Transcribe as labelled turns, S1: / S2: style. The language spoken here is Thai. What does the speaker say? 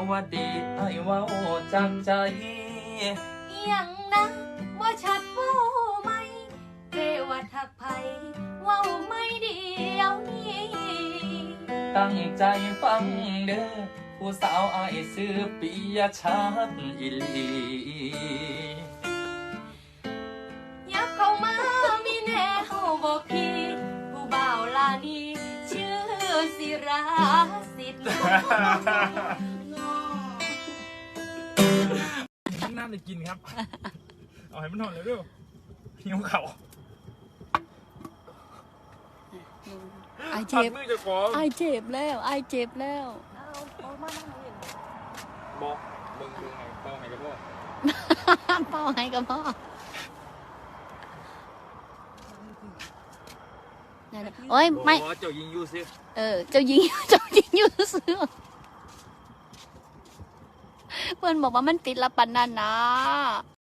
S1: วัสดีไอ้เว้าจากใจ
S2: ยังนะว่าชัดว่าไหมเรว่าทักไผว่าไม่เดียวนี้
S1: ตั้งใจฟังเด้อผู้สาวอ้ายซื้อปิยชัดอีหลี
S2: ยับเข้ามามีแนวบอกพี่ผู้บ่าวลานีชื่อศิราสิทธิ์
S3: น้ำจะกินครับ เอาให้มันหอนเลยด้วยหิวเข่า
S4: ไอเจ็บ
S3: มือจะขอ
S4: ไอเจ็บแล้วไอเจ็บแล้ว
S3: บอกมึงดูไงเป้าไงกับพ่อ
S4: เป้าให้กับพ่อนั่นน่ะโอ้ยไม่
S3: บอกว่าเจ้ายิงยูซิ
S4: เจ้าหญิงอยู่ซื้อเพื่อนบอกว่ามันติดละปันนั่นนะ